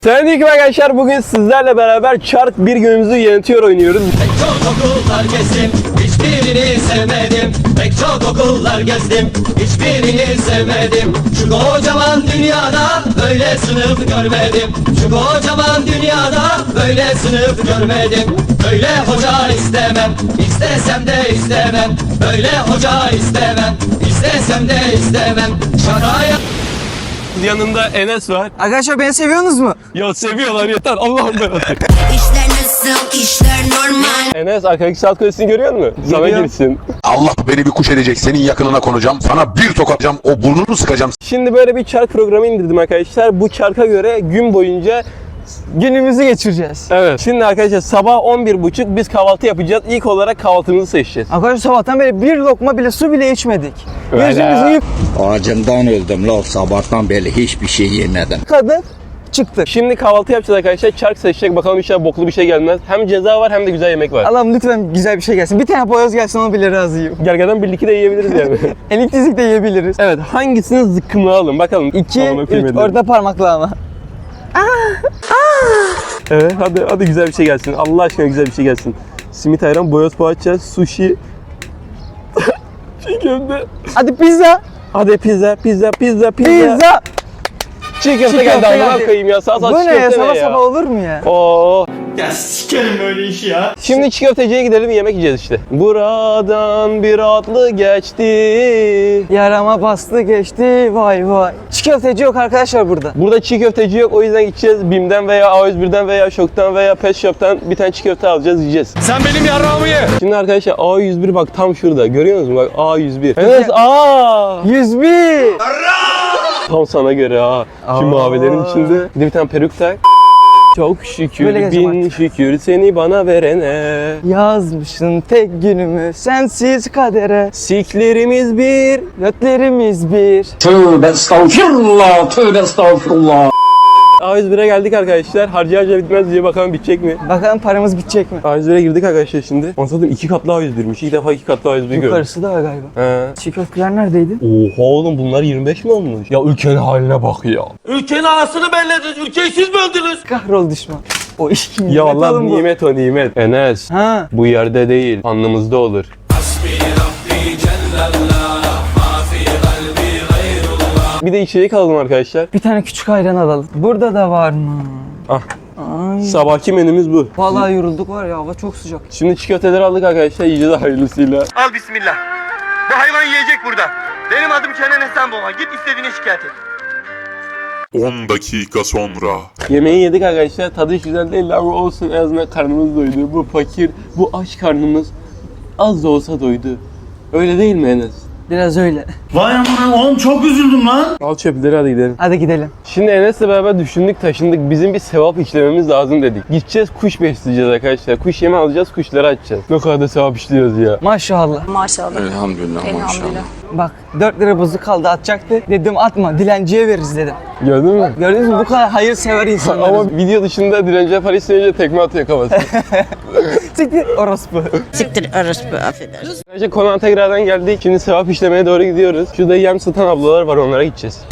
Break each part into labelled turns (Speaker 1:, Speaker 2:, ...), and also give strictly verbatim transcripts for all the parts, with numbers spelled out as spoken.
Speaker 1: Selamünaleyküm arkadaşlar. Bugün sizlerle beraber Çark bir günümüzü yönetiyor oynuyoruz.
Speaker 2: Pek çok okullar gezdim, hiçbirini sevmedim. Pek çok okullar gezdim, hiçbirini sevmedim. Şu kocaman dünyada böyle sınıf görmedim. Şu kocaman dünyada böyle sınıf görmedim. Böyle hoca istemem, istesem de istemem. Böyle hoca istemem, istesem de istemem. Şakaya...
Speaker 1: Yanında Enes var.
Speaker 3: Arkadaşlar beni seviyorsunuz mu?
Speaker 1: Ya seviyorlar yeter. Allah'ım ben atayım.
Speaker 4: İşler nasıl, işler normal.
Speaker 1: Enes arkadaki saat kulesini görüyor musun? Sana
Speaker 3: Görüyorum.
Speaker 1: girsin.
Speaker 5: Allah beni bir kuş edecek, senin yakınına konacağım, sana bir tokatacağım, o burnunu sıkacağım.
Speaker 1: Şimdi böyle bir çark programı indirdim arkadaşlar. Bu çarka göre gün boyunca
Speaker 3: Günümüzü geçireceğiz.
Speaker 1: evet. Şimdi arkadaşlar sabah on bir buçuk biz kahvaltı yapacağız. İlk olarak kahvaltımızı seçeceğiz.
Speaker 3: Arkadaşlar sabahtan beri bir lokma bile su bile içmedik.
Speaker 1: Öyle.
Speaker 3: Yüzümüzü
Speaker 6: Acımdan öldüm la, sabahtan beri hiçbir şey yemedim.
Speaker 3: yıkadık, çıktık.
Speaker 1: Şimdi kahvaltı yapacağız arkadaşlar. Çark seçecek. Bakalım inşallah boklu bir şey gelmez. Hem ceza var hem de güzel yemek var.
Speaker 3: Allah'ım lütfen güzel bir şey gelsin. Bir tane boyoz gelsin, onu bile razıyım.
Speaker 1: Gergeden birlikte de yiyebiliriz yani.
Speaker 3: Elektrizik de yiyebiliriz.
Speaker 1: Evet, hangisini zıkkımlayalım bakalım.
Speaker 3: İki,
Speaker 1: Amına
Speaker 3: üç,
Speaker 1: koyayım elim.
Speaker 3: orta parmakla ama.
Speaker 1: Evet, hadi hadi güzel bir şey gelsin. Allah aşkına güzel bir şey gelsin. Simit ayran, boyoz poğaça, sushi. Çiğ köfte.
Speaker 3: Hadi pizza.
Speaker 1: Hadi pizza, pizza, pizza, pizza.
Speaker 3: Pizza.
Speaker 1: Çiğ köfte
Speaker 3: Çiğ
Speaker 1: geldi.
Speaker 3: köfte
Speaker 1: Amına
Speaker 3: geldi.
Speaker 1: koyayım ya. Sağ sağ
Speaker 3: Bu
Speaker 1: çiğ
Speaker 3: ne ya?
Speaker 1: köfte
Speaker 3: Sabah
Speaker 1: ne
Speaker 3: sabah
Speaker 1: ya?
Speaker 3: olur mu ya?
Speaker 1: Oo.
Speaker 2: Ya sikerim böyle işi ya.
Speaker 1: Şimdi çiğ köfteciye gidelim, yemek yiyeceğiz işte. Buradan bir atlı geçti.
Speaker 3: Yarama bastı geçti, vay vay. Çiğ köfteci yok arkadaşlar burada.
Speaker 1: Burada çiğ köfteci yok, o yüzden gideceğiz BİM'den veya A yüz birden veya Şok'tan veya Pet Shop'tan bir tane çiğ köfte alacağız, yiyeceğiz. Sen benim yarrağımı ye! Şimdi arkadaşlar A yüz bir bak tam şurada, görüyor musunuz? Bak A yüz bir. Evet, A!
Speaker 3: yüz bir.
Speaker 1: Tam sana göre ha. Şu
Speaker 3: Aa.
Speaker 1: mavilerin içinde bir de bir tane peruk tak. Çok şükür,
Speaker 3: Böyle gezeceğim
Speaker 1: bin
Speaker 3: artık.
Speaker 1: şükür seni bana verene.
Speaker 3: Yazmışsın tek günümü sensiz kadere.
Speaker 1: Siklerimiz bir.
Speaker 3: Götlerimiz bir.
Speaker 6: Tövbe estağfirullah, tövbe estağfirullah.
Speaker 1: A yüz bire geldik arkadaşlar. Harca harca bitmez diye bakalım bitecek mi?
Speaker 3: Bakalım paramız bitecek mi?
Speaker 1: A yüz bire girdik arkadaşlar şimdi. Anladım, iki katlı A yüz birmiş. İlk defa iki katlı A yüz bir gördüm.
Speaker 3: Yukarısı da var galiba.
Speaker 1: He.
Speaker 3: Çiğ köfteler neredeydi?
Speaker 1: Oha oğlum, bunlar yirmi beş mi olmuş? Ya ülkenin haline bak ya.
Speaker 2: Ülkenin anasını bellediniz, ülkeyi siz mi öldünüz?
Speaker 3: Kahrol düşman. O iş kim?
Speaker 1: Ya Allah,
Speaker 3: Oğlum bu.
Speaker 1: nimet o nimet. Enes,
Speaker 3: Ha.
Speaker 1: bu yerde değil, alnımızda olur. Bir de içecek alalım arkadaşlar.
Speaker 3: Bir tane küçük ayran alalım. Burada da var mı?
Speaker 1: Ah,
Speaker 3: Ay.
Speaker 1: sabahki menümüz bu.
Speaker 3: Vallahi yorulduk var ya, hava çok sıcak.
Speaker 1: Şimdi çiğ köfteleri aldık arkadaşlar, yiyeceğiz hayırlısıyla.
Speaker 7: Al bismillah. Bu hayvan yiyecek burada. Benim adım Kenan Esenboğa. Git istediğini şikayet et.
Speaker 5: on dakika sonra.
Speaker 1: Yemeği yedik arkadaşlar, tadı hiç güzel değil ama olsun, en azından karnımız doydu. Bu fakir, bu aç karnımız az da olsa doydu. Öyle değil mi Enes?
Speaker 3: Biraz öyle.
Speaker 7: Vay amına oğlum, çok üzüldüm lan.
Speaker 1: Al çöpleri, hadi gidelim.
Speaker 3: Hadi gidelim.
Speaker 1: Şimdi Enes'le beraber düşündük, taşındık. Bizim bir sevap işlememiz lazım dedik. Gideceğiz, kuş besleyeceğiz arkadaşlar. Kuş yemi alacağız, kuşları açacağız. Ne kadar da sevap işliyoruz ya.
Speaker 3: Maşallah.
Speaker 4: Maşallah.
Speaker 5: Elhamdülillah,
Speaker 4: Elhamdülillah.
Speaker 3: Bak dört lira bozuk kaldı, atacaktı. Dedim atma, dilenciye veririz dedim.
Speaker 1: Gördün mü?
Speaker 3: Gördünüz mü, bu kadar hayırsever insanlarız.
Speaker 1: Ama video dışında direnciye para isteyince tekme atıyor kafasına.
Speaker 3: Siktir orospu.
Speaker 4: Siktir orospu, affedersin.
Speaker 1: Önce konağa tekrardan geldik. Şimdi sevap işlemeye doğru gidiyoruz. Şurada yem satan ablalar var, onlara gideceğiz.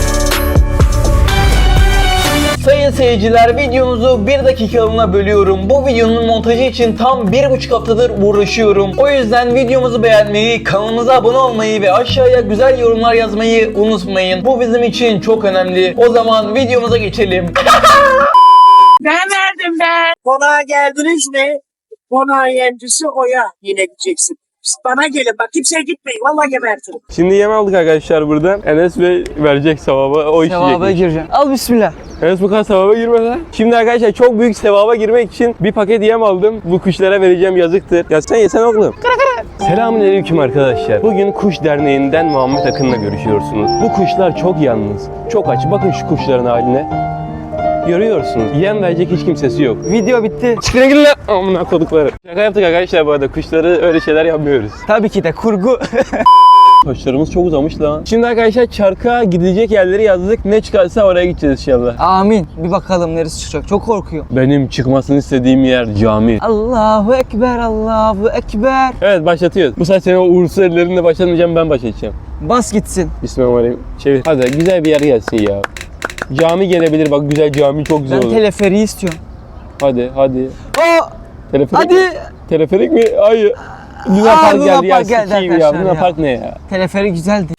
Speaker 1: Sayın seyirciler, videomuzu bir dakikalığına bölüyorum. Bu videonun montajı için tam bir buçuk haftadır uğraşıyorum. O yüzden videomuzu beğenmeyi, kanalımıza abone olmayı ve aşağıya güzel yorumlar yazmayı unutmayın. Bu bizim için çok önemli. O zaman videomuza geçelim.
Speaker 8: Ben verdim ben. Konağa geldiniz mi? Konağın yemcisi Oya, yine gideceksin. Siz bana gelin bak, kimseye gitmeyin, vallahi gebertirim.
Speaker 1: Şimdi yem aldık arkadaşlar buradan. Enes Bey verecek sevabı, o
Speaker 3: Sevaba
Speaker 1: işleyecekmiş.
Speaker 3: gireceğim. Al bismillah.
Speaker 1: Enes bu kadar sevaba girmez ha. Şimdi arkadaşlar çok büyük sevaba girmek için bir paket yem aldım. Bu kuşlara vereceğim, yazıktır. Ya sen yesen oğlum. Selamünaleyküm arkadaşlar. Bugün Kuş Derneği'nden Muhammed Akın'la görüşüyorsunuz. Bu kuşlar çok yalnız, çok aç. Bakın şu kuşların haline. Görüyorsunuz. Yem verecek hiç kimsesi yok.
Speaker 3: Video bitti.
Speaker 1: Çıkın gidin lan. Amına kodukları. Şaka yaptık arkadaşlar bu arada. Kuşları öyle şeyler yapmıyoruz.
Speaker 3: Tabii ki de kurgu.
Speaker 1: Saçlarımız çok uzamış lan. Şimdi arkadaşlar çarka gidecek yerleri yazdık. Ne çıkarsa oraya gideceğiz inşallah.
Speaker 3: Amin. Bir bakalım neresi çıkacak. Çok korkuyorum.
Speaker 1: Benim çıkmasını istediğim yer cami.
Speaker 3: Allahu Ekber, Allahu Ekber.
Speaker 1: Evet, başlatıyoruz. Bu sefer senin o uğursuz ellerinle başlatmayacağım, ben başlatacağım.
Speaker 3: Bas gitsin.
Speaker 1: Bismillahirrahmanirrahim. Çevir. Hadi güzel bir yer gelsin ya. Cami gelebilir bak, güzel cami çok güzel
Speaker 3: Ben
Speaker 1: olur.
Speaker 3: teleferiği istiyorum.
Speaker 1: Hadi hadi.
Speaker 3: Aa,
Speaker 1: Teleferik
Speaker 3: hadi.
Speaker 1: mi? Teleferik mi? Hayır. Luna
Speaker 3: Aa,
Speaker 1: Park
Speaker 3: Luna
Speaker 1: geldi ya,
Speaker 3: Park geldi
Speaker 1: sikeyim ya.
Speaker 3: arkadaşlar
Speaker 1: Luna
Speaker 3: ya.
Speaker 1: Park ne ya?
Speaker 3: Teleferik güzeldi.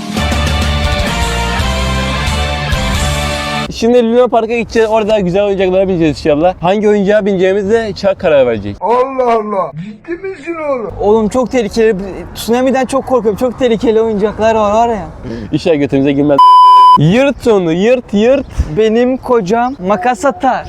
Speaker 1: Şimdi Luna Park'a gideceğiz. Orada güzel oyuncaklara bineceğiz inşallah. Hangi oyuncağa bineceğimizde Çak karar verecek.
Speaker 3: Oğlum çok tehlikeli. Tsunami'den çok korkuyorum. Çok tehlikeli oyuncaklar var var ya.
Speaker 1: İşler götümüze girmez. Yırt onu, yırt yırt.
Speaker 3: Benim kocam makas atar.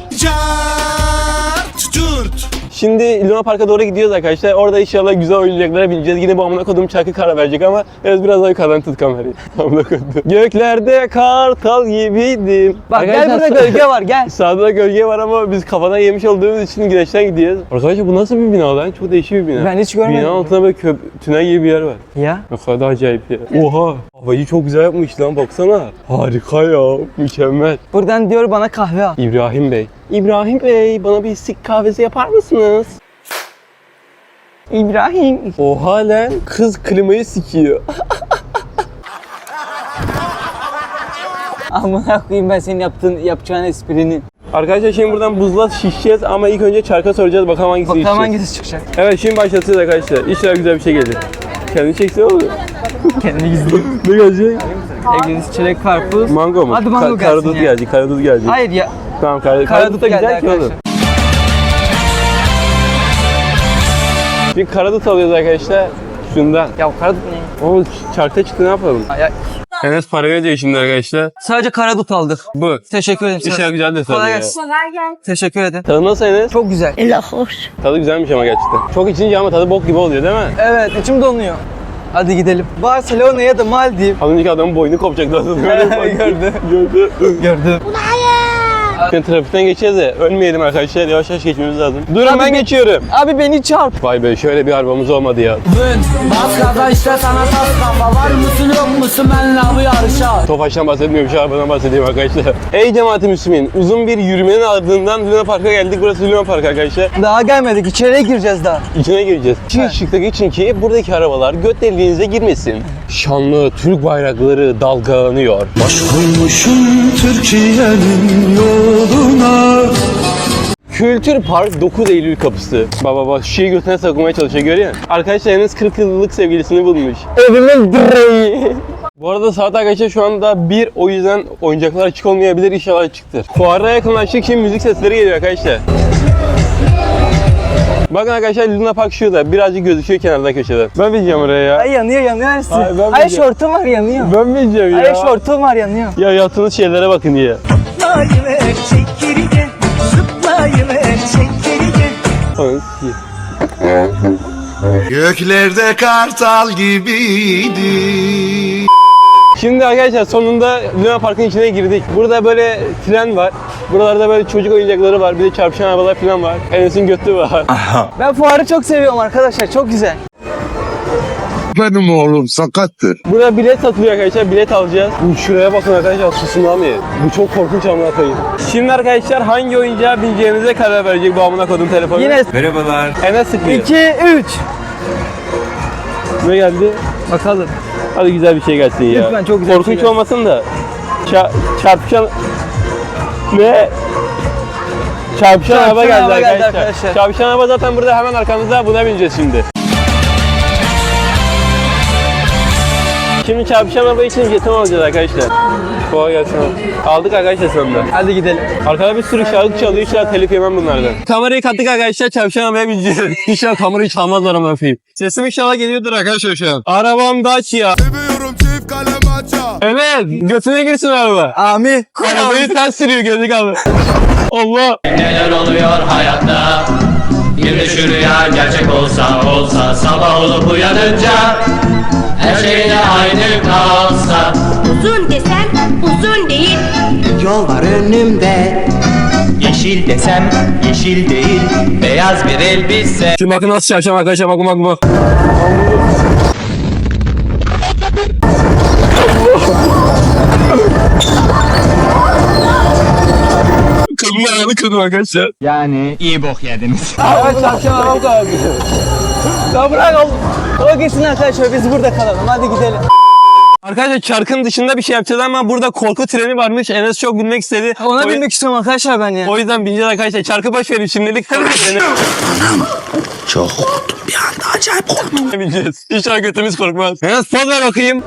Speaker 1: Şimdi Luna Park'a doğru gidiyoruz arkadaşlar. Orada inşallah güzel oyuncaklara bineceğiz. Yine bu amına kodum Çak'ı karar verecek ama evet, biraz daha yukarıdan tut kamerayı. Amına kodum. Göklerde kartal gibiydim.
Speaker 3: Bak
Speaker 1: Arkadaşlar,
Speaker 3: gel burada gölge var gel.
Speaker 1: Sağda da gölge var ama biz kafadan yemiş olduğumuz için güneşten gidiyoruz. Arkadaşlar bu nasıl bir bina lan? Çok değişik bir bina.
Speaker 3: Ben hiç görmedim.
Speaker 1: Binanın altında böyle köp tünel gibi bir yer var.
Speaker 3: Ya.
Speaker 1: Ne kadar acayip ya. Oha! Havayı çok güzel yapmış lan, baksana. Harika ya. Mükemmel.
Speaker 3: Buradan diyor bana kahve al.
Speaker 1: İbrahim Bey. İbrahim Bey, bana bir sik kahvesi yapar mısınız?
Speaker 3: İbrahim.
Speaker 1: Oha lan, kız klimayı sikiyor.
Speaker 3: Amına koyayım ben senin yaptığın yapacağın esprinin.
Speaker 1: Arkadaşlar şimdi buradan buzla şişeceğiz ama ilk önce Çark'a soracağız, bakalım hangisi
Speaker 3: Bakalım
Speaker 1: içeceğiz.
Speaker 3: hangisi çıkacak.
Speaker 1: Evet, şimdi başlatacağız arkadaşlar. İnşallah güzel bir şey gelir. Kendini çekse olur.
Speaker 3: Kendini gizleyeyim.
Speaker 1: Ne gelecek?
Speaker 3: Evleniz çilek karpuz.
Speaker 1: Mango mu?
Speaker 3: Hadi mango gelsin
Speaker 1: Karadut
Speaker 3: ya.
Speaker 1: gelecek, karadut gelecek.
Speaker 3: Hayır ya.
Speaker 1: Tamam, karadut.
Speaker 3: Karadut
Speaker 1: Karadut da
Speaker 3: geldi
Speaker 1: güzel ki oğlum.
Speaker 3: arkadaşlar.
Speaker 1: Bir karadut alıyoruz arkadaşlar. Şundan.
Speaker 3: Ya karadut ne?
Speaker 1: O Çark'ta çıktı, ne yapalım?
Speaker 3: Ay, ay.
Speaker 1: Enes para veriyor şimdi arkadaşlar.
Speaker 3: Sadece karadut aldık.
Speaker 1: Bu.
Speaker 3: Teşekkür ederim.
Speaker 1: İnşallah güzel de tadı
Speaker 3: Kolay
Speaker 1: ya.
Speaker 3: gelsin. Teşekkür ederim.
Speaker 1: Tadı nasıl Enes?
Speaker 3: Çok güzel.
Speaker 1: Tadı güzelmiş ama gerçekten. Çok içince ama tadı bok gibi oluyor değil mi?
Speaker 3: Evet içim donuyor. Hadi gidelim. Barcelona ya da Maldiv.
Speaker 1: Az önceki adamın boynu kopacaktı aslında.
Speaker 3: Gördü.
Speaker 1: Gördü.
Speaker 3: Gördüm.
Speaker 1: Şimdi trafikten geçeceğiz de ölmeyelim arkadaşlar. Yavaş yavaş geçmemiz lazım. Durun,
Speaker 3: Abi
Speaker 1: ben
Speaker 3: bir-
Speaker 1: geçiyorum.
Speaker 3: Abi beni çarp.
Speaker 1: Vay be, şöyle bir arabamız olmadı ya.
Speaker 2: Maskada işte sana tas kafa. Var mısın yok musun benle bu yarışa?
Speaker 1: Tofaş'tan bahsetmiyorum, şu arabadan bahsedeyim arkadaşlar. Ey cemaat-i Müslümin, uzun bir yürümenin ardından Luna Park'a geldik. Burası Luna Park arkadaşlar.
Speaker 3: Daha gelmedik. İçeriye gireceğiz daha.
Speaker 1: İçine gireceğiz. Çık ışıkta geçin ki buradaki arabalar göt deliğinize girmesin. Şanlı Türk bayrakları dalgalanıyor. Kültür Park dokuz Eylül kapısı. Baba bak, şişeyi götüne saklamaya çalışıyor, görüyor musun? Arkadaşlar Enes kırk yıllık sevgilisini bulmuş.
Speaker 3: Evimin direği.
Speaker 1: Bu arada saat arkadaşlar şu anda bir, o yüzden oyuncaklar açık olmayabilir, inşallah açıktır. Fuara yakınlaştık, şimdi müzik sesleri geliyor arkadaşlar. Bakın arkadaşlar, Luna Park şurada, birazcık gözüküyor kenardan köşeden. Ben bineceğim oraya ya.
Speaker 3: Ay yanıyor yanıyor Ersin.
Speaker 1: Ay, ben
Speaker 3: Ay
Speaker 1: bileceğim.
Speaker 3: şortum var yanıyor.
Speaker 1: Ben bineceğim ya.
Speaker 3: Ay şortum var yanıyor.
Speaker 1: Ya yaptığınız şeylere bakın ya. Anasını sikeyim.
Speaker 5: Göklerde kartal gibiydi.
Speaker 1: Şimdi arkadaşlar sonunda Luna Park'ın içine girdik. Burada böyle tren var. Buralarda böyle çocuk oyuncakları var. Bir de çarpışan arabalar falan var. Enes'in götü var.
Speaker 3: Ben fuarı çok seviyorum arkadaşlar. Çok güzel.
Speaker 5: Benim oğlum sakattır.
Speaker 1: Burada bilet satılıyor arkadaşlar. Bilet alacağız. Şuraya bakın arkadaşlar, tsunami. Bu çok korkunç, amına koyayım. Şimdi arkadaşlar hangi oyuncağa bineceğimize karar verecek bu amına koyduğum telefonu.
Speaker 3: Yine
Speaker 1: Merhabalar. Enes sıkıyor.
Speaker 3: iki üç.
Speaker 1: Ne geldi?
Speaker 3: Bakalım.
Speaker 1: Hadi güzel bir şey gelsin ya.
Speaker 3: Lütfen, çok güzel bir
Speaker 1: Korkunç
Speaker 3: şey gelsin.
Speaker 1: olmasın da. Ça çarpışan... Ne? Çarpışan araba
Speaker 3: Çarpışan
Speaker 1: geldi
Speaker 3: araba geldi
Speaker 1: arkadaşlar.
Speaker 3: arkadaşlar.
Speaker 1: Çarpışan araba zaten burada hemen arkamızda. Buna bineceğiz şimdi. Şimdi çarpışan araba için jeton alacağız arkadaşlar. Kolay gelsin. Aldık arkadaşlar sonunda.
Speaker 3: Hadi gidelim.
Speaker 1: Arkada bir sürü şarkı çalıyor. İnşallah telif yemem bunlardan. Kamerayı kattık arkadaşlar. Çarpışan arabaya bineceğiz. İnşallah kamerayı çalmazlar ama yapayım. Sesim inşallah geliyordur arkadaşlar şu an. Arabam Dacia.
Speaker 5: Seviyorum çift kalem aça.
Speaker 1: Evet. Götüne girsin araba.
Speaker 3: Ami.
Speaker 1: Arabayı ters sürüyor gözlük abi. Allah.
Speaker 2: Neler oluyor hayatta? Bir de şu rüya gerçek olsa olsa sabah olup uyanınca her şey de aynı kalsa.
Speaker 4: Uzun desem uzun değil.
Speaker 2: Yol var önümde. Yeşil desem yeşil değil. Beyaz bir elbise.
Speaker 1: Şimdi bakın nasıl çarpacağım arkadaşlar, bakın bakın bak. Kadın ayağını kırdım arkadaşlar.
Speaker 6: Yani iyi bok yediniz.
Speaker 1: Evet, çarpacağım arabam kaldı.
Speaker 3: Ya bırak oğlum. O gitsin arkadaşlar biz burada kalalım. Hadi gidelim.
Speaker 1: Arkadaşlar çarkın dışında bir şey yapacağız ama burada korku treni varmış. Enes çok bilmek istedi.
Speaker 3: Ona
Speaker 1: o,
Speaker 3: binmek istiyorum arkadaşlar ben ya.
Speaker 1: o yüzden bineceğiz arkadaşlar. Çarkı boş verin şimdilik. Korku treni.
Speaker 6: Çok korktum bir anda, acayip korktum.
Speaker 1: bineceğiz. İnşallah götümüz korkmaz. Enes poz ver bakayım.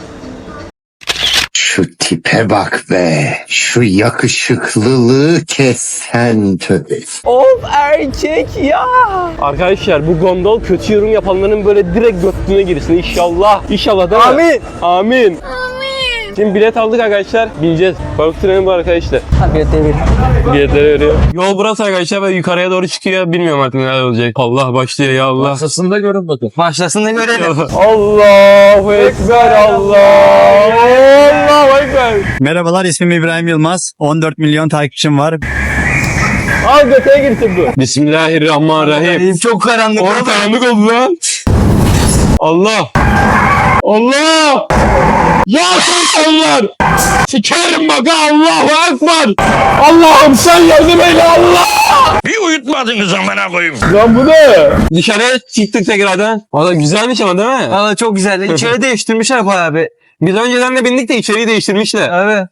Speaker 9: Şu tipe bak be. Şu yakışıklılığı kesen tövbe.
Speaker 1: Of erkek ya. Arkadaşlar bu gondol kötü yorum yapanların böyle direkt götüne girsin inşallah. İnşallah değil mi?
Speaker 3: Amin.
Speaker 1: Amin. Şimdi bilet aldık arkadaşlar. Bineceğiz. Korku treni bu arkadaşlar.
Speaker 3: Ha bir devir.
Speaker 1: Biletleri veriyor. Yol burası arkadaşlar ve yukarıya doğru çıkıyor. Bilmiyorum artık neler olacak. Allah başlıyor ya Allah.
Speaker 6: Masasında görün bakın.
Speaker 3: Başlasın da görelim.
Speaker 1: Allahu Ekber Allah. Allahu Ekber.
Speaker 10: Merhabalar, ismim İbrahim Yılmaz. on dört milyon takipçim var.
Speaker 1: Al götüne girsin bu. Bismillahirrahmanirrahim.
Speaker 3: Çok karanlık.
Speaker 1: Orta karanlık oldu lan. Allah. Allah. Ya insanlar. Sikerim bak Allahu Ekber. Allah'ım sen yardım eyle Allah.
Speaker 6: Bir uyutmadınız amına koyayım.
Speaker 1: Lan bu ne? Dışarıya çıktık tekrardan. Valla güzelmiş ama değil mi?
Speaker 3: Valla çok güzel. İçeri değiştirmişler bayağı bir.
Speaker 1: Biz önceden de bindik de içeriği değiştirmişler.
Speaker 3: Evet.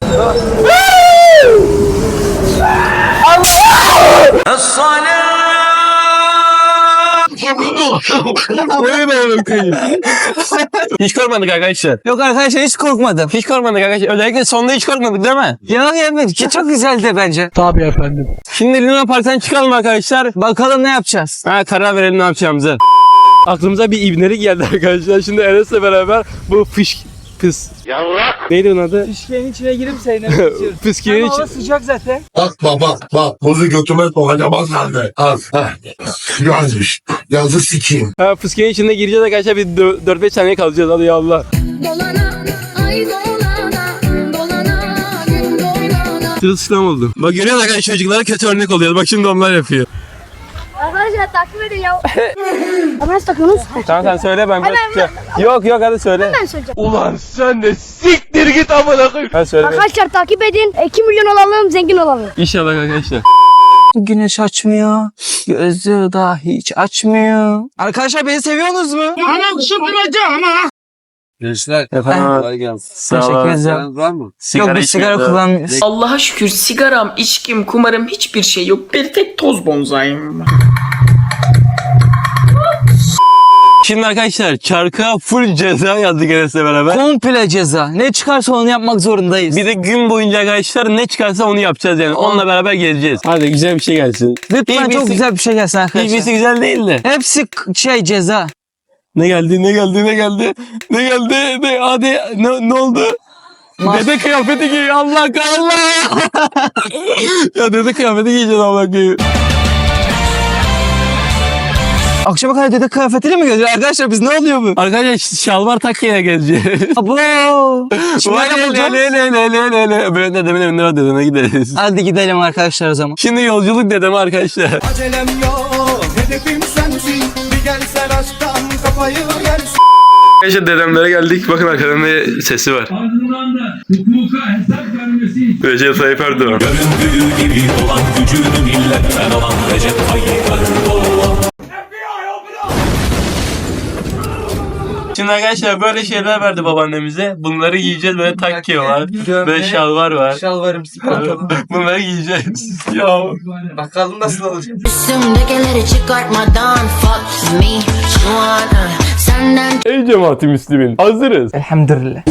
Speaker 1: Hiç korkmadık arkadaşlar.
Speaker 3: Yok arkadaşlar hiç korkmadım.
Speaker 1: Hiç korkmadık arkadaşlar. Özellikle sonunda hiç korkmadık değil mi?
Speaker 3: Ya yemin ki çok güzeldi bence.
Speaker 1: Şimdi Luna Park'tan çıkalım arkadaşlar.
Speaker 3: Bakalım ne yapacağız.
Speaker 1: Ha, karar verelim ne yapacağımızı. Aklımıza bir ibnelik geldi arkadaşlar. Şimdi Enes'le beraber bu fış... Pıs. Yavrak. Neydi onun adı?
Speaker 3: Fışkiyenin içine girip seyremek istiyorum.
Speaker 1: Fıskiyenin
Speaker 3: Hava
Speaker 1: içi...
Speaker 3: sıcak zaten.
Speaker 5: Bak bak bak bak. Buzu götüme sokacağım az halde. Az. Heh. Yazmış. Yazı sikeyim.
Speaker 1: Ha, fıskiyenin içinde gireceğiz arkadaşlar. Bir dört beş saniye kalacağız. Hadi ya Allah.
Speaker 4: Dolana, ay dolana, dolana, gün dolana.
Speaker 1: Sırılsıklam oldu. Bak görüyor musun arkadaşlar çocuklara kötü örnek oluyor. Bak şimdi onlar yapıyor.
Speaker 4: Arkadaşlar takip edin ya. Ama nasıl takıyorsunuz?
Speaker 1: Tamam sen söyle ben biraz
Speaker 4: Hemen,
Speaker 1: şey... Yok yok hadi söyle.
Speaker 4: Ben söyleyeceğim.
Speaker 1: Ulan sen de siktir git amına koyayım. Hadi söyle.
Speaker 4: Arkadaşlar takip edin. iki milyon olalım, zengin olalım.
Speaker 1: İnşallah arkadaşlar.
Speaker 3: Güneş açmıyor. Gözü daha hiç açmıyor. Arkadaşlar beni seviyorsunuz mu?
Speaker 6: Gençler.
Speaker 1: Efendim.
Speaker 6: Kolay gelsin.
Speaker 1: Sağ
Speaker 3: Teşekkür
Speaker 1: olun.
Speaker 3: ederim.
Speaker 6: Var mı?
Speaker 3: Yok biz sigara
Speaker 1: içmiyoruz.
Speaker 3: kullanmıyoruz.
Speaker 11: Allah'a şükür sigaram, içkim, kumarım hiçbir şey yok. Bir tek toz bonzayım var.
Speaker 1: Şimdi arkadaşlar çarka full ceza yazdık Enes'le beraber.
Speaker 3: Komple ceza. Ne çıkarsa onu yapmak zorundayız.
Speaker 1: Bir de gün boyunca arkadaşlar ne çıkarsa onu yapacağız yani. Onunla beraber gezeceğiz. Hadi güzel bir şey gelsin.
Speaker 3: Lütfen
Speaker 1: Hiçbirisi-
Speaker 3: çok güzel bir şey gelsin arkadaşlar.
Speaker 1: Hiçbirisi güzel değil de.
Speaker 3: Hepsi k- şey ceza.
Speaker 1: Ne geldi ne geldi ne geldi ne geldi ne hadi ne, ne oldu?
Speaker 3: Mas-
Speaker 1: Dede kıyafeti giy Allah Allah. Ya dede kıyafeti giyeceğiz Allah giy.
Speaker 3: Akşama kadar dede kıyafetiyle mi geziyor? Arkadaşlar biz ne oluyor bu?
Speaker 1: Arkadaşlar şalvar takkaya gezeceğiz.
Speaker 3: Abo. Şimdi
Speaker 1: Vay
Speaker 3: ne
Speaker 1: le
Speaker 3: yapacağız?
Speaker 1: le le le le le le. Böyle dedemin evine var dedeme gideriz.
Speaker 3: Hadi gidelim arkadaşlar o zaman.
Speaker 1: Şimdi yolculuk dedeme arkadaşlar.
Speaker 2: Acelem yok, hedefim sensin. Bir gelsen aşktan kafayı yersin.
Speaker 1: Arkadaşlar dedemlere geldik. Bakın arkadan ne sesi var.
Speaker 12: Ardından da hukuka hesap vermesi için
Speaker 1: Recep Tayyip Erdoğan.
Speaker 2: Göründüğü gibi olan gücünü milletten alan Recep Tayyip Erdoğan.
Speaker 1: Şimdi arkadaşlar böyle şeyler verdi babaannemize. Bunları giyeceğiz. Böyle takke var.
Speaker 3: Gömlek,
Speaker 1: Böyle şalvar var.
Speaker 3: Şalvarım, pantolon.
Speaker 1: Bunları giyeceğiz. Ya.
Speaker 3: Bakalım nasıl olacak.
Speaker 4: Üstümdekileri çıkartmadan fuck me şu an senden.
Speaker 1: Ey cemaati Müslümin. Hazırız.
Speaker 3: Elhamdülillah.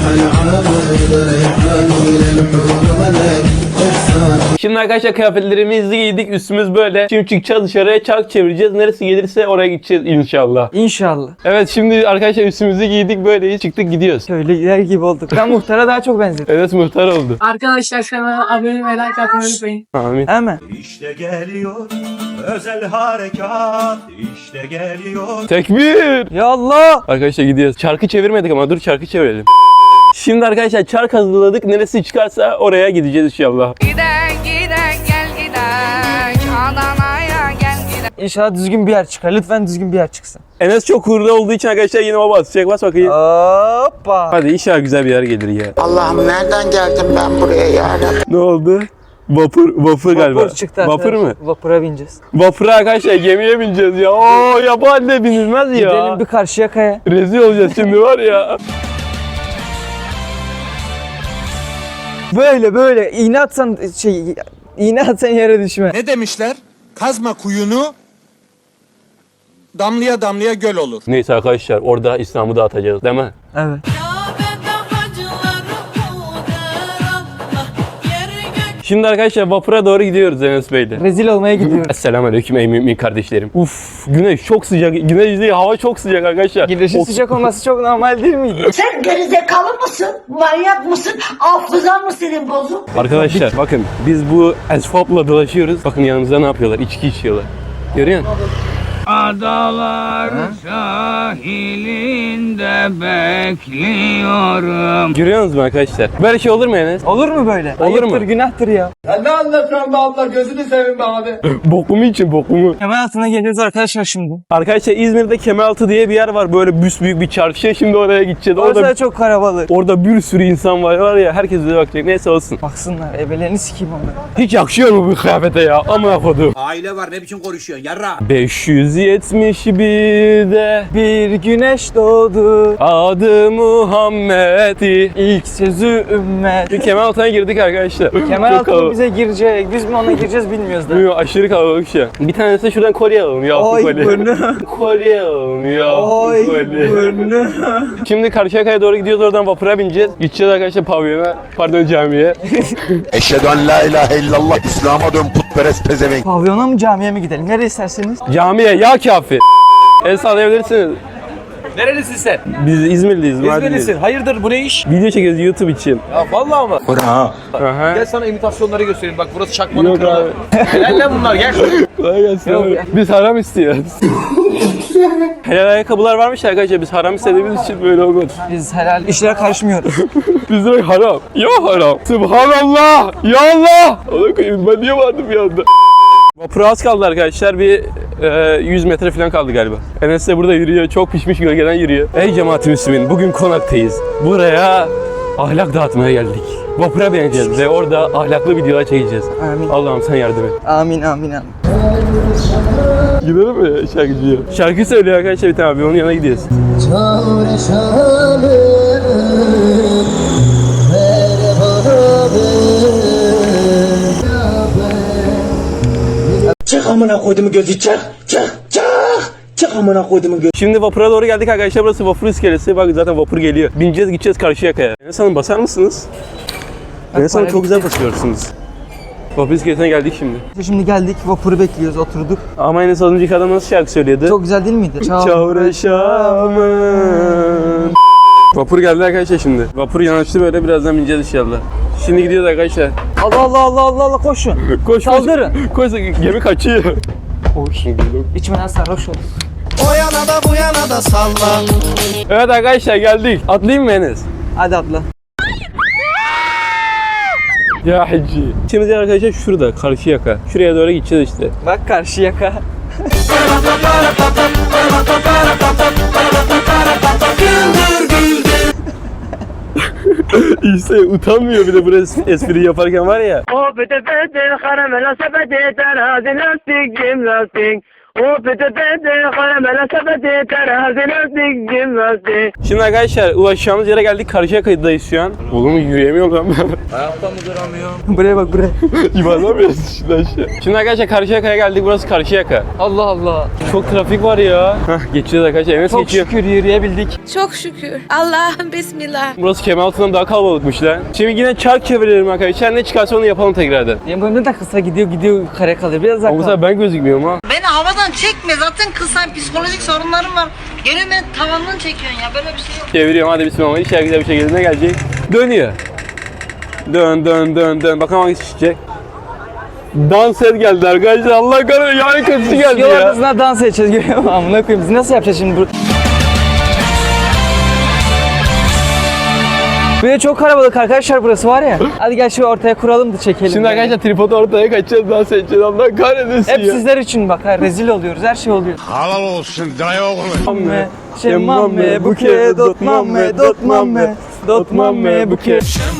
Speaker 1: Şimdi arkadaşlar kıyafetlerimizi giydik. Üstümüz böyle. Şimdi çıkacağız dışarıya çark çevireceğiz. Neresi gelirse oraya gideceğiz inşallah.
Speaker 3: İnşallah.
Speaker 1: Evet şimdi arkadaşlar üstümüzü giydik böyleyiz. Çıktık gidiyoruz.
Speaker 3: Şöyle gider gibi olduk. Ben muhtara daha çok benzedim.
Speaker 1: Evet muhtar oldu.
Speaker 8: Arkadaşlar kanala abone ve like atmayı unutmayın.
Speaker 1: Amin.
Speaker 3: Hemen.
Speaker 2: İşte geliyor özel harekat. İşte geliyor.
Speaker 1: Tekbir.
Speaker 3: Ya Allah.
Speaker 1: Arkadaşlar gidiyoruz. Çarkı çevirmedik ama dur çarkı çevirelim. Şimdi arkadaşlar çark hazırladık. Neresi çıkarsa oraya gideceğiz inşallah.
Speaker 11: Giden giden gel giden Adana'ya gel giden.
Speaker 3: İnşallah düzgün bir yer çıkar. Lütfen düzgün bir yer çıksın.
Speaker 1: Enes çok hurda olduğu için arkadaşlar yine o basacak. Bas bakayım.
Speaker 3: Hoppa.
Speaker 1: Hadi inşallah güzel bir yer gelir ya.
Speaker 9: Allah'ım nereden geldim ben buraya ya Rabbi?
Speaker 1: Ne oldu? Vapur, vapur galiba.
Speaker 3: Vapur çıktı
Speaker 1: Vapur
Speaker 3: arkadaşlar.
Speaker 1: mu?
Speaker 3: Vapura bineceğiz.
Speaker 1: Vapura arkadaşlar gemiye bineceğiz ya. Oo yabancı binilmez ya.
Speaker 3: Gidelim bir karşıya kaya.
Speaker 1: Rezil olacağız şimdi var ya.
Speaker 3: Böyle böyle iğne atsan şey iğne atsan yere düşme.
Speaker 6: Ne demişler? Kazma kuyunu, damlaya damlaya göl olur.
Speaker 1: Neyse arkadaşlar orada İslam'ı dağıtacağız değil mi?
Speaker 3: Evet.
Speaker 1: Şimdi arkadaşlar vapura doğru gidiyoruz Enes Bey'le.
Speaker 3: Rezil olmaya gidiyoruz.
Speaker 1: Esselamualeyküm ey mümin kardeşlerim. Uf güneş çok sıcak. Güneş değil hava çok sıcak arkadaşlar.
Speaker 3: Güneşin
Speaker 1: Of.
Speaker 3: sıcak olması çok normal değil miydi?
Speaker 8: Sen gerizekalı mısın? Manyak mısın? Hafızan mı senin bozuk?
Speaker 1: Arkadaşlar bakın biz bu esfapla dolaşıyoruz. Bakın yanımızda ne yapıyorlar? İçki içiyorlar. Görüyor musun?
Speaker 12: Adalar sahilinde bekliyorum.
Speaker 1: Görüyor musunuz arkadaşlar? Böyle şey olur mu Enes?
Speaker 3: Olur mu böyle?
Speaker 1: Olur mu?
Speaker 3: Ayıptır, günahtır ya.
Speaker 7: Ne anlatıyorsun be abla gözünü seveyim be abi.
Speaker 1: Bokumu için bokumu.
Speaker 3: Hemen altına geliyoruz arkadaşlar şimdi.
Speaker 1: Arkadaşlar İzmir'de Kemeraltı diye bir yer var. Böyle büyük bir çarşı. Şimdi oraya gideceğiz.
Speaker 3: Orası
Speaker 1: Orada
Speaker 3: da çok kalabalık.
Speaker 1: orada bir sürü insan var var ya. Herkes bize bakacak. Neyse olsun.
Speaker 3: Baksınlar ebelerini sikeyim onları.
Speaker 1: Hiç yakışıyor mu bu kıyafete ya? Amına kodum.
Speaker 6: Aile var ne biçim konuşuyorsun yarra?
Speaker 1: beş yüz yetmiş birde
Speaker 3: Bir güneş doğdu.
Speaker 1: adı Muhammed'i.
Speaker 3: İlk sözü ümmet.
Speaker 1: Bir Kemeraltı'na girdik arkadaşlar.
Speaker 3: Kemal
Speaker 1: Çok
Speaker 3: Altun
Speaker 1: kalabalık.
Speaker 3: bize girecek. Biz mi ona gireceğiz bilmiyoruz da.
Speaker 1: Bilmiyorum, aşırı kalabalık şu an. Bir tanesi de şuradan kolye alalım ya.
Speaker 3: Oy
Speaker 1: kolye.
Speaker 3: burnu.
Speaker 1: Kolye alalım ya.
Speaker 3: Oy
Speaker 1: kolye.
Speaker 3: burnu.
Speaker 1: Şimdi Karşıyaka'ya doğru gidiyoruz. Oradan vapura bineceğiz. Gideceğiz arkadaşlar pavyona. Pardon camiye.
Speaker 5: Eşhedü en la ilahe illallah. İslam'a dön putperest pezevenk.
Speaker 3: Pavyona mı camiye mi gidelim? Nereye isterseniz.
Speaker 1: Camiye ya kafi. El sallayabilirsiniz.
Speaker 7: Nerelisin sen?
Speaker 1: Biz İzmirliyiz. Mardinliyiz.
Speaker 7: Hayırdır bu ne iş?
Speaker 1: Video çekiyoruz YouTube için.
Speaker 7: Ya vallahi mı?
Speaker 1: Aha.
Speaker 7: Gel sana imitasyonları göstereyim. Bak burası çakmanın
Speaker 1: Yok
Speaker 7: kralı.
Speaker 1: abi.
Speaker 7: Helal lan bunlar gel.
Speaker 1: Kolay gelsin abi. Biz haram istiyoruz. Helal ayakkabılar varmış arkadaşlar. Biz haram istediğimiz için böyle olmadı.
Speaker 3: Biz helal işlere karışmıyoruz.
Speaker 1: Biz direkt haram. Ya haram. Subhanallah. Ya Allah. Ona koyayım ben niye vardım bir anda? Vapura az kaldı arkadaşlar. Bir e, yüz metre falan kaldı galiba. Enes de burada yürüyor. Çok pişmiş gölgeden yürüyor. Ey cemaat-i Müslümin. Bugün konaktayız. Buraya ahlak dağıtmaya geldik. Vapura bineceğiz ve orada ahlaklı videolar çekeceğiz.
Speaker 3: Amin.
Speaker 1: Allah'ım sen yardım et.
Speaker 3: Amin amin amin.
Speaker 1: Gidelim mi şarkıcıya? Şarkı söylüyor arkadaşlar bir tane abi. Onun yanına gidiyoruz.
Speaker 8: Çık amına koyduğumu gözü çık. Çık çık. Çık amına koyduğumu gözü.
Speaker 1: Şimdi vapura doğru geldik arkadaşlar. Burası vapur iskelesi. Bak zaten vapur geliyor. Bineceğiz gideceğiz Karşıyaka'ya. Enes Hanım basar mısınız? Enes Hanım çok güzel basıyorsunuz. Vapur iskelesine geldik şimdi.
Speaker 3: Şimdi geldik vapuru bekliyoruz oturduk.
Speaker 1: Ama Enes az önceki adam nasıl şarkı söylüyordu?
Speaker 3: Çok güzel değil miydi?
Speaker 1: Çavreşamın. Vapur geldi arkadaşlar şimdi. Vapur yanaştı böyle birazdan bineceğiz inşallah. Şimdi gidiyoruz arkadaşlar.
Speaker 3: Allah Allah Allah Allah Allah koşun.
Speaker 1: Koş
Speaker 3: Saldırın.
Speaker 1: koş. Koş gemi kaçıyor. Koş.
Speaker 3: İçmeden sarhoş olur.
Speaker 6: O yana da bu yana da salla.
Speaker 1: Evet arkadaşlar geldik. Atlayayım mı Enes?
Speaker 3: Hadi atla.
Speaker 1: Ya hacı. Şimdi arkadaşlar şurada Karşıyaka. Şuraya doğru gideceğiz işte.
Speaker 3: Bak karşı yaka.
Speaker 1: İşte utanmıyor bir de burası espri yaparken var ya.
Speaker 8: O pete pete karamela sepeti terazi lastik cim lastik. O pete pete karamela sepeti terazi lastik cim lastik.
Speaker 1: Şimdi arkadaşlar ulaşacağımız yere geldik. Karşıyaka'dayız şu an. Oğlum yürüyemiyorum lan ben.
Speaker 3: Buraya bak buraya.
Speaker 1: İmanlamıyoruz şimdi aşağı. Şimdi arkadaşlar Karşıyaka'ya geldik. Burası Karşıyaka.
Speaker 3: Allah Allah.
Speaker 1: Çok trafik var ya. Hah geçeceğiz arkadaşlar. Enes
Speaker 3: Çok
Speaker 1: geçiyor.
Speaker 3: şükür yürüyebildik.
Speaker 4: Çok şükür. Allah'ım bismillah.
Speaker 1: Burası Kemeraltı'ndan daha kalabalıkmış lan. Şimdi yine çark çevirelim arkadaşlar. Ne çıkarsa onu yapalım tekrardan.
Speaker 3: Benim boyumda da kısa gidiyor gidiyor kare kalıyor. Biraz
Speaker 1: Ama bu sefer
Speaker 3: uzaktan.
Speaker 1: ben gözükmüyorum ha.
Speaker 8: Beni havadan çekme zaten kızsan psikolojik sorunlarım var. Geliyor beni tavandan çekiyorsun ya böyle bir şey yok.
Speaker 1: Çeviriyorum hadi bismillah. İnşallah güzel bir şekilde ne gelecek? Dönüyor. Dön dön dön dön. Bakalım hangisi çıkacak. Dans et geldi arkadaşlar. Allah kahretsin yani kötüsü geldi
Speaker 3: Yol
Speaker 1: ya.
Speaker 3: ortasına dans edeceğiz görüyor musun? Amına koyayım biz nasıl yapacağız şimdi bu? Böyle çok kalabalık arkadaşlar burası var ya. Hadi gel şu ortaya kuralım da çekelim.
Speaker 1: Şimdi
Speaker 3: yani.
Speaker 1: arkadaşlar tripodu ortaya kaçacağız dans edeceğiz. Allah kahretsin
Speaker 3: Hep
Speaker 1: ya.
Speaker 3: sizler için bak ha, rezil oluyoruz her şey oluyor.
Speaker 5: Halal olsun dayı oğlum.
Speaker 3: Mamme, şemamme, buke, dot mamme, dot mamme, dot mamme, buke.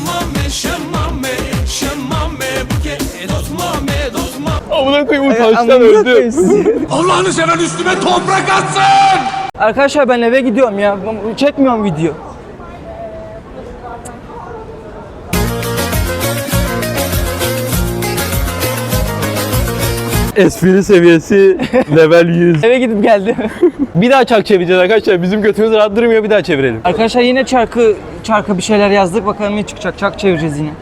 Speaker 1: Amına koyayım
Speaker 3: Ay,
Speaker 1: utançtan
Speaker 3: amına koyayım
Speaker 1: öldüm.
Speaker 3: sizi.
Speaker 5: Allah'ını seven üstüme toprak atsın.
Speaker 3: Arkadaşlar ben eve gidiyorum ya. Çekmiyorum video.
Speaker 1: Espri seviyesi level yüz.
Speaker 3: Eve gidip geldim.
Speaker 1: Bir daha çark çevireceğiz arkadaşlar. Bizim götümüz rahat durmuyor, bir daha çevirelim.
Speaker 3: Arkadaşlar yine çarkı çarka bir şeyler yazdık. Bakalım ne çıkacak. Çark çevireceğiz yine.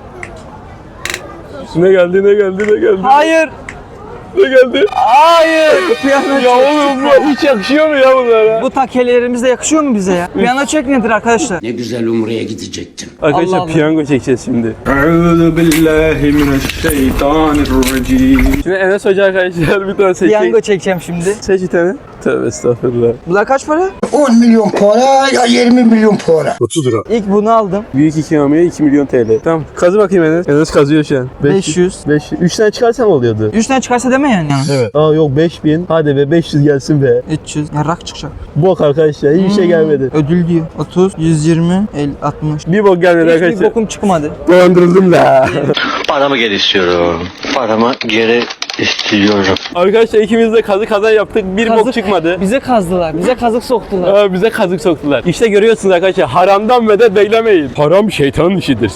Speaker 1: Ne geldi ne geldi ne geldi?
Speaker 3: Hayır.
Speaker 1: Ne geldi?
Speaker 3: Hayır. Piyano
Speaker 1: Ya oğlum bu hiç yakışıyor mu ya bunlara?
Speaker 3: Bu takelerimiz de yakışıyor mu bize ya? Piyano çek nedir arkadaşlar?
Speaker 6: Ne güzel Umre'ye gidecektim.
Speaker 1: Arkadaşlar
Speaker 3: Allah Allah.
Speaker 1: piyango çekeceğiz şimdi.
Speaker 12: Euzu billahi mineşşeytanirracim.
Speaker 1: Şimdi Enes Hoca arkadaşlar bir tane seçecek.
Speaker 3: Piyango çekeceğim şimdi.
Speaker 1: Seç bir tane. Tövbe estağfurullah.
Speaker 3: Bunlar kaç para?
Speaker 9: on milyon para ya yirmi milyon para.
Speaker 5: otuz lira.
Speaker 3: İlk bunu aldım.
Speaker 1: Büyük ikramiye iki milyon T L. Tamam kazı bakayım Enes. Enes kazıyor şu an.
Speaker 3: beş yüz.
Speaker 1: beş yüz. üç tane çıkarsam oluyordu.
Speaker 3: üç tane çıkarsa deme yani.
Speaker 1: Evet. Aa yok beş bin. Hadi be beş yüz gelsin be.
Speaker 3: üç yüz. Ya rak çıkacak.
Speaker 1: Bok arkadaşlar hiçbir şey gelmedi.
Speaker 3: Ödül diyor. otuz, yüz yirmi, elli, altmış.
Speaker 1: Bir bok gelmedi
Speaker 3: Hiçbir
Speaker 1: arkadaşlar.
Speaker 3: bokum çıkmadı.
Speaker 1: Dolandırıldım la.
Speaker 2: Paramı geri istiyorum. Paramı geri istiyorum.
Speaker 1: Arkadaşlar ikimiz de kazı kazan yaptık. Bir bok
Speaker 3: Kazık-
Speaker 1: çıkmadı.
Speaker 3: Bize kazdılar. Bize kazık soktular.
Speaker 1: Aa, bize kazık soktular. İşte görüyorsunuz arkadaşlar haramdan medet beklemeyin. Haram şeytanın işidir.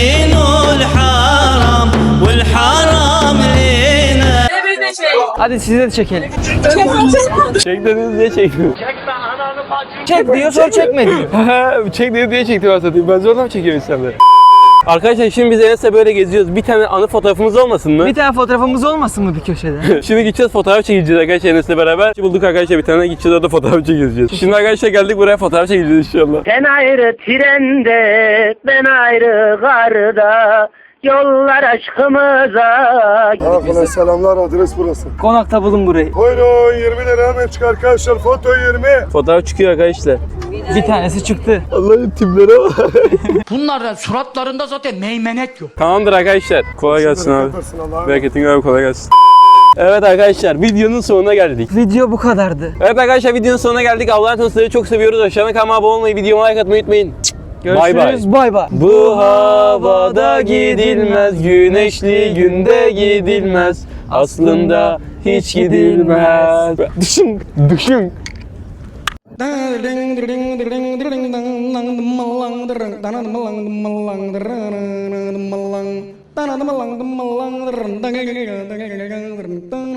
Speaker 3: Hadi size de çekelim.
Speaker 1: Çek dediniz diye çektim.
Speaker 3: Çek diyor sonra çekme diyor.
Speaker 1: Çek dedi diye çektim aslında. Ben zorla mı çekiyorum insanları? Arkadaşlar şimdi biz Enes'le böyle geziyoruz. Bir tane anı fotoğrafımız olmasın mı?
Speaker 3: Bir tane fotoğrafımız olmasın mı bir köşede?
Speaker 1: Şimdi gideceğiz fotoğraf çekeceğiz arkadaşlar Enes'le beraber. Bulduk arkadaşlar bir tane gideceğiz orada fotoğraf çekeceğiz. Şimdi arkadaşlar geldik buraya fotoğraf çekeceğiz inşallah.
Speaker 8: Sen ayrı trende, ben ayrı garda. Yollar aşkımıza.
Speaker 5: Arkadaşlar selamlar, adres burası.
Speaker 3: Konakta bulun burayı.
Speaker 5: Buyurun yirmi lira hemen çıkar arkadaşlar, foto yirmi.
Speaker 1: Fotoğraf çıkıyor arkadaşlar.
Speaker 3: Bir tanesi çıktı.
Speaker 1: Allah'ın tiplere bak.
Speaker 11: Bunların suratlarında zaten meymenet yok.
Speaker 1: Tamamdır arkadaşlar. Kolay gelsin abi. Bereketin abi kolay gelsin. Evet arkadaşlar videonun sonuna geldik.
Speaker 3: Video bu kadardı.
Speaker 1: Evet arkadaşlar videonun sonuna geldik. Allah'ın tanrı sizleri çok seviyoruz. Aşağıdan kanalıma abone olmayı, videoma like atmayı unutmayın. Bay bay.
Speaker 3: Görüşürüz. Bay bay.
Speaker 1: Bu havada gidilmez, güneşli günde gidilmez. Aslında hiç gidilmez. Düşün, düşün.
Speaker 11: Dang